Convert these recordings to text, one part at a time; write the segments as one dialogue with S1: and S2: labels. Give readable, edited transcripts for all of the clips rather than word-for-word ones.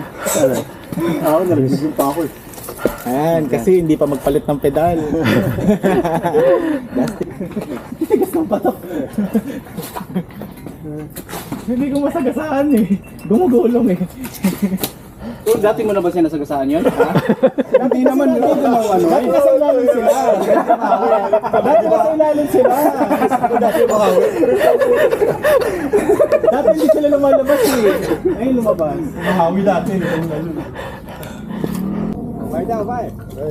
S1: Ako narinig pa ako eh.
S2: Ayan, kasi hindi pa magpalit ng pedal. Plastic. Tigas ng patok. Hindi ko masagasaan eh. Gumugulong eh.
S3: So, dati mo na ba siya nasagasaan yun? Ha?
S1: Hindi naman yun ang ano.
S2: Dati nasa ilalim sila. Dati nasa ilalim sila. Dati hindi sila lumalabas eh. Ngayon lumabas.
S1: Mahawi dati.
S2: Bye daw, bye.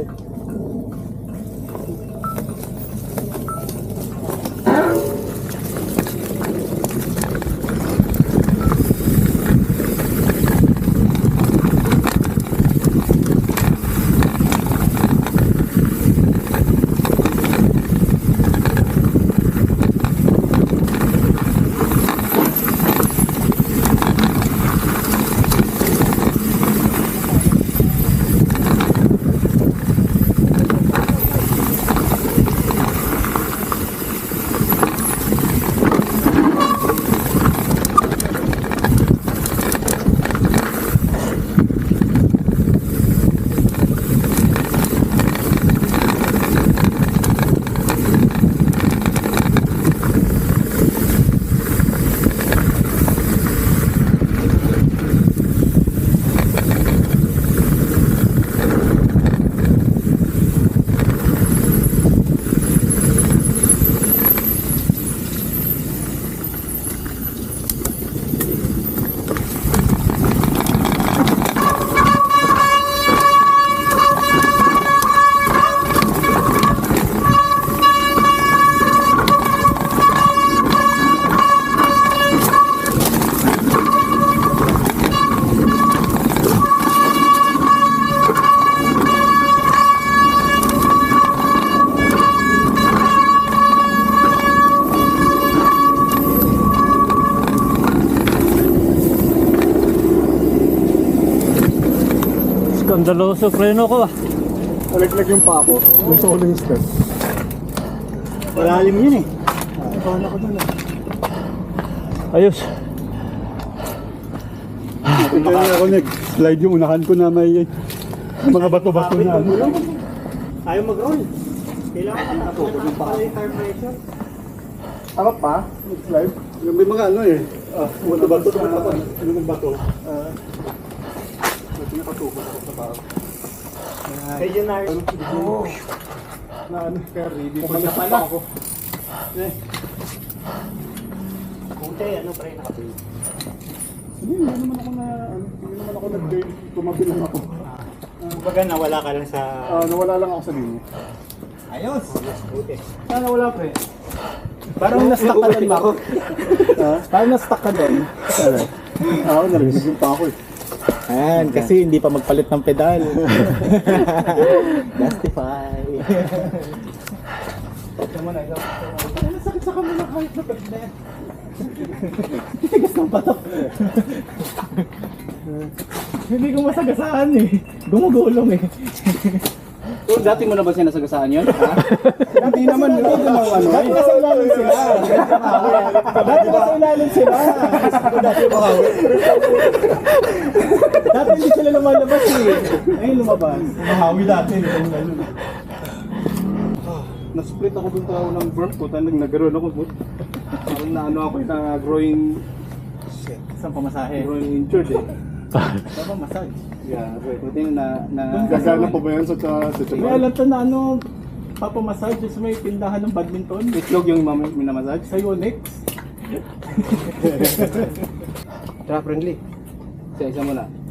S4: Skandaloso preno ko ah.
S1: Nalaglag yung pa ako. Gusto ko lang yung step. Malalim yun eh. Paano ko dun eh.
S4: Ayos.
S1: Kaya ako nag-slide yung unahan ko na may mga bato-bato na.
S2: Ayaw mag-roll. Kailangan ka na. Para yung tire pressure.
S1: Harap pa? Nag-slide? May mga ano eh. Bato-bato na. Ano ng bato? Nakatuko ako sa tao.
S2: Kaya na.
S1: Na ano, kaya ready.
S2: Pumalas pa ako. Kunti, ano pa rin nakapil?
S1: Hindi naman ako na, hindi naman ako nag-turn. Tumabi lang ako.
S2: Kumbaga nawala ka lang sa...
S1: Nawala lang ako sa linya.
S2: Ayos! Buti.
S1: Sana wala pa eh.
S2: Parang na-stuck ka doon, Mako. Parang na-stuck ka doon.
S1: Ako narinig pa ako eh.
S2: Ayan, kasi hindi pa magpalit ng pedal. Justify. Sakit sa kami ng kahit na pedal na yan. Tigas ng patok. Hindi ko masagasaan eh. Gumugulong eh.
S3: So, dati mo na ba siya nasagasaan yun? Ha?
S1: Hindi naman yun ang ano.
S2: Dati nasa ilalim sila. Dati nasa ilalim sila. Dati hindi sila lumalabas eh. Ngayon lumabas.
S1: Mahawi dati. Na-split ako dun tao ng burp ko. Talagang nagkaroon ako. Parang na ano ako na growing
S2: Isang pamasahe.
S1: injured eh.
S2: Baba massage.
S1: Yeah, right.
S3: Buti na...
S1: Gagana pa ba yan sa
S2: May
S1: Japan?
S2: alam to na ano, papamassage sa may tindahan ng badminton.
S3: Itlog yung minamassage?
S2: Sa Yonex.
S3: Tara, friendly. Isa-isa mo na.